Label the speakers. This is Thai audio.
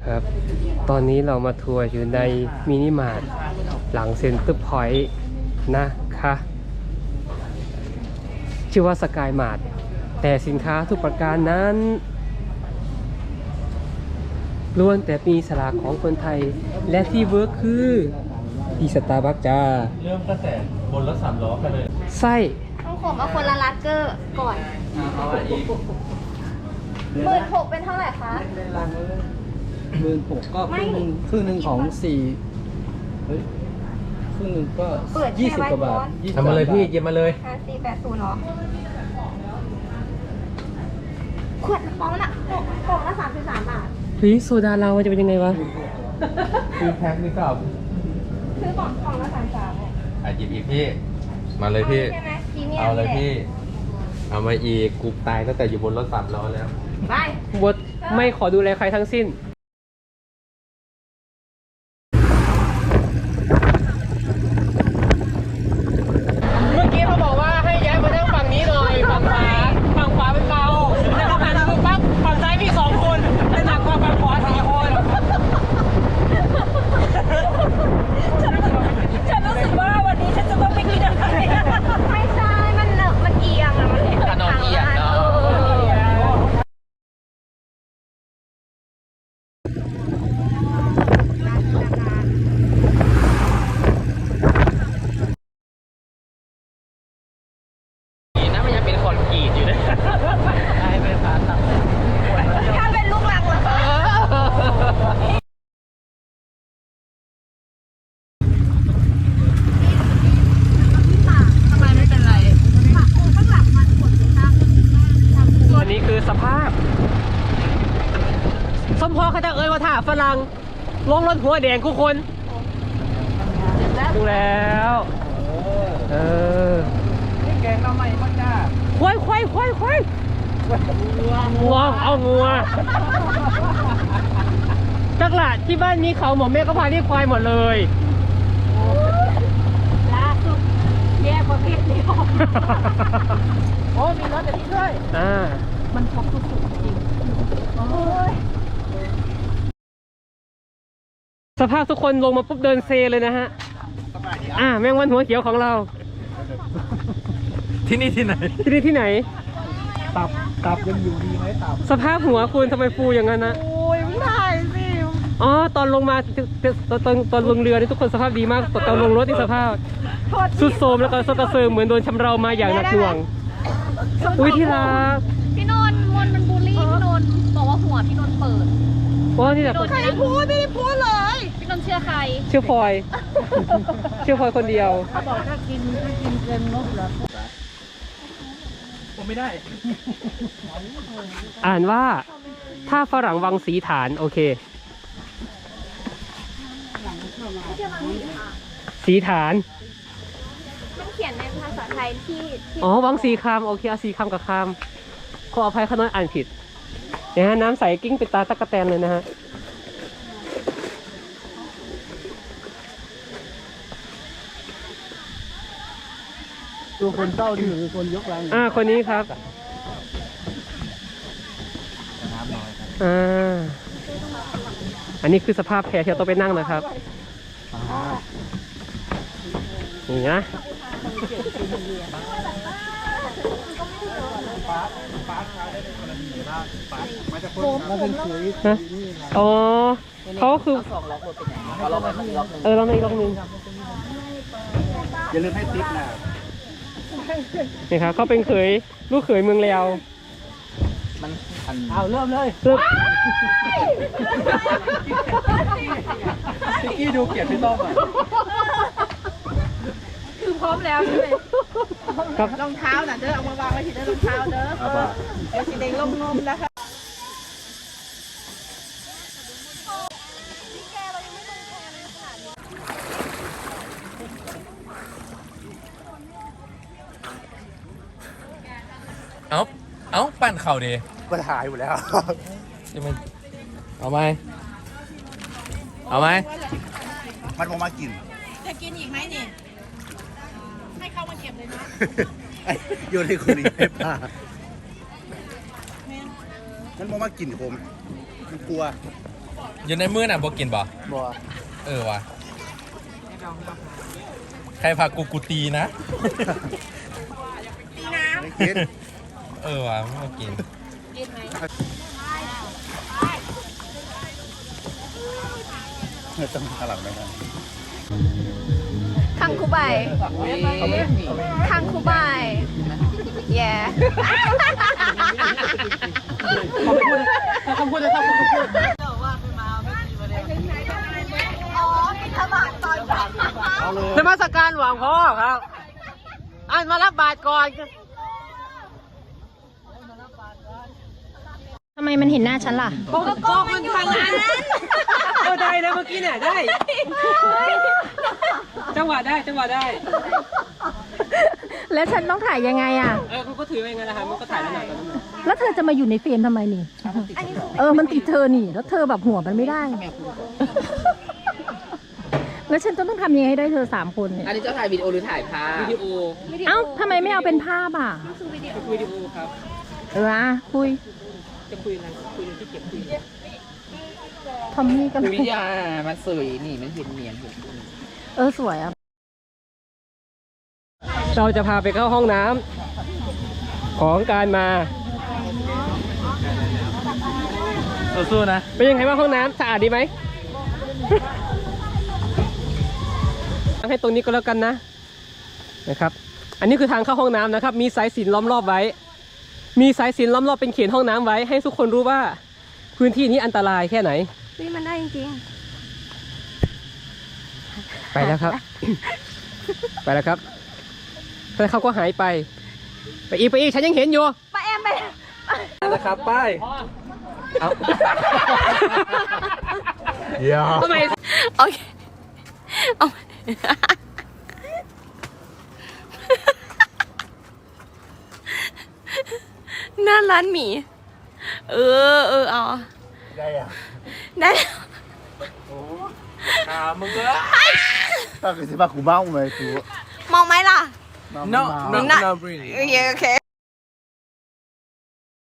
Speaker 1: ครับตอนนี้เรามาทัวร์อยู่ในมินิมาร์ทหลังเซ็นเตอร์พอยต์นะคะชื่อว่าสกายมาร์ทแต่สินค้าทุกประการนั้นล้วนแต่มีฉลากของคนไทยและที่เวิร์คคือที่สตาร์บัคจ้า
Speaker 2: เริ่มตั้งแต่บนรถ3 ล้อกันเลย
Speaker 1: ไส้
Speaker 3: ต้องผมเอาคนละลักเกอร์ก่อน
Speaker 2: เอาอะไรอีก
Speaker 3: 16,000เป็นเท่าไหร่คะ
Speaker 4: 16,000ก็ครึ่งหนึ่งของ4เฮ้ยครึ่งหนึ่งก็20 กว่าบาท
Speaker 2: ทำมาเลยพี่เย็บมาเลย
Speaker 3: 5480เนาะขวดฟองละฟองละ33 บาท
Speaker 1: เฮ้ยโซดาเราจะเป็นยังไงวะ
Speaker 2: คือแพ็คนี่ก็
Speaker 3: ซื้อกล่องละ33
Speaker 2: หยิบอีกพี่มาเลยพี่
Speaker 3: ใช่ไหมพรีเมียม
Speaker 2: เอาเลยพี่เอามาอีกกูตายตั้งแต่อยู่บนรถ3 ล้อแล้ว
Speaker 3: ไป
Speaker 1: บดไม่ขอดูแลใครทั้งสิ้นเมื่อกี้เขาบอกว่าให้ย้ายมานั่งฝั่งนี้หน่อยฝั่งขวาเป็นเบาแล้วเขาหันมาปั๊บฝั่งซ้ายมี2 คนแต่หนักกว่าฝั่งขวา4 คน
Speaker 3: ฉันรู้สึกว่าวันนี้ฉันจะต้องไปกินอะไรไม่ใช่มันเอียงอะมันเห็น
Speaker 1: ถนนเอียงเนาะนะมันยังเป็นคอนกรีตอยู่นะได้ไปผ่าน
Speaker 3: ถ้าเป็นลูกหลังเหรอคะทำไมไม่เป็นไรข้างหลังมันปวดข้าง
Speaker 1: อันนี้คือสภาพสมพอเขาจะเอ่ยว่าถ้าฝรั่งลงรถหัวแดงทุกคนดูแล้วเออนี่แกงทำไมพ่อจ้าควายงัวเอางัวจักหละที่บ้านมีเขาหมอแม่ก็พาเรียกควายหมดเลย
Speaker 3: ล่าสุดแย่ประเภทนี้ออกโอ้มีรถแบบนี้ด้วยมันพกสุดๆจริงโอ้ย
Speaker 1: สภาพทุกคนลงมาปุ๊บเดินเซเลยนะฮะแมงวันหัวเขียวของเรา
Speaker 2: ที่นี่ที่ไหน
Speaker 1: ที่ไหน
Speaker 4: ตับยังอยู่ดีไหมตับ
Speaker 1: สภาพหัวคุณทำไมฟูอย่างนั้นนะ
Speaker 3: โอ้ยไม่ได้สิ
Speaker 1: ตอนลงมาตอนลงเรือนี่ทุกคนสภาพดีมากตอนลงรถนี่สภาพสุดโทรมแล้วก็สกระเซิงเหมือนโดนชำเรามาอย่างหนักหน่วงอุ้ยที่รัก
Speaker 3: พี่นนท์มันบูลลี่พี่นนท์บอกว่าหัวพี่นนท์เปิด
Speaker 1: นี่แหละ
Speaker 3: ใครพูดไม่ได้พูดเลยพี่นนท์เชื่อใคร
Speaker 1: เชื่อพลอยคนเดียว
Speaker 4: เขาบอกถ้ากินเกินงบเหรอผมไม่ได้
Speaker 1: อ่านว่าถ้าฝรั่งวังสีฐานโอเคสีฐาน
Speaker 3: มันเขียนในภาษาไทยที่
Speaker 1: วังสีคำโอเคสีคำกับคำขออภัยข้าน้อยอ่านผิดนะฮะน้ำใสกิ้งเป็นตาตะกะแตนเลยนะฮะ
Speaker 4: ตัวคนเศร้าที่คือคนยกลัง
Speaker 1: คนนี้ครับอันนี้คือสภาพแพที่เราต้องไปนั่งนะครับนี่นะเขาคือลองอีกนึง
Speaker 4: อย่าลืมให้ติ๊กนะ
Speaker 1: นี่ครับเขาเป็นลูกเขยเมืองแล้ว
Speaker 4: เอาเริ่มเลยพี่ดูเกียรติพี่ต้อมอ่ะ
Speaker 3: คือพร้อมแล้วใช่ไหม
Speaker 1: ครับ
Speaker 3: รองเท้าน่ะเด้อเอามาวางไว้ที่เด้อรองเท้าเด้อเดี๋ยวสีแดงลงนมนะคะ
Speaker 2: เอาปั่นเข่าดิ
Speaker 4: มันหายหมดแล้ว
Speaker 2: จะมันเอาไหม
Speaker 4: มันมากิน
Speaker 3: จะกินอีกไหมนี่ให้เข้ามาเก็บเลยนะ
Speaker 4: โยนให้คนอีกให้ป้ามันมากินผมมันกลัว
Speaker 2: อยู่ในมือน่ะบ่กินบ่
Speaker 4: บัว
Speaker 2: เออว่ะใครพากูตีนะ
Speaker 4: ไม่กิน
Speaker 2: เออว่ะไม่มากิน
Speaker 4: ต้องขลังไปนะ
Speaker 3: คังคูใบคังคูใบแย่
Speaker 1: คำพูดเลยครับคำพูด
Speaker 3: อ๋อบิณฑบาตตอนเช้า
Speaker 1: นมัสการหลวงพ่อครับอ่านมารับบาตรก่อน
Speaker 3: ทำไมมันเห็นหน้าฉันล่ะ
Speaker 1: ก็มันทางนั้นได้นะเมื่อกี้เนี่ยได้ จังหวะได้
Speaker 3: แล้วฉันต้องถ่ายยังไงอ่ะ
Speaker 1: เขาก็ถือไปไงนะครับมันก็ถ่ายแล้วหน่อย
Speaker 3: แล้วเธอจะมาอยู่ในเฟรมทำไมนี่ มันติดเธอนี่ แล้วเธอแบบหัวมันไม่ได้ แล้วฉันต้องทำยังไงให้ได้เธอ3 คนเนี่ย
Speaker 5: อันนี้จะถ่ายวิดีโอหรือถ่ายภาพ
Speaker 1: วิดีโอ
Speaker 3: เอ้าทำไมไม่เอาเป็นภาพอ่ะ
Speaker 1: วิดีโอครับ
Speaker 3: คุย
Speaker 1: จะคุยอะไรคุยเรื่องที่เก็บคุย
Speaker 3: ทอมมี่กัน
Speaker 5: วิดีโอมันสวยนี่มันเห็นเนียนเห็น
Speaker 3: สวยอ่ะ
Speaker 1: เราจะพาไปเข้าห้องน้ำของการมา
Speaker 2: สู้ๆนะ
Speaker 1: เป็นยังไงบ้างห้องน้ำสะอาดดีไหม ให้ตรงนี้ก็แล้วกันนะครับ อันนี้คือทางเข้าห้องน้ำนะครับ มีสายสิญจน์ล้อมรอบไว้ มีสายสิญจน์ล้อมรอบเป็นเขตห้องน้ำไว้ ให้ทุกคนรู้ว่าพื้นที่นี้อันตรายแค่ไหน
Speaker 3: มันได้จริง
Speaker 1: ไปแล้วครับ ไปแล้วครับแต่เขาก็หายไป ไปอีกฉันยังเห็นอยู่
Speaker 3: ๆป้าแอมไป
Speaker 2: นะครับป้ายเอาเดี๋ยว
Speaker 1: ทำไม
Speaker 3: โอเคเอาหน้าร้านหมี เอา
Speaker 4: ได้อะ
Speaker 3: ได้
Speaker 2: มึงก็
Speaker 4: ถ้าเกิดสิบ้ากูเมาไหมกู
Speaker 3: มองไหมล่ะ
Speaker 4: no
Speaker 3: not really โอเค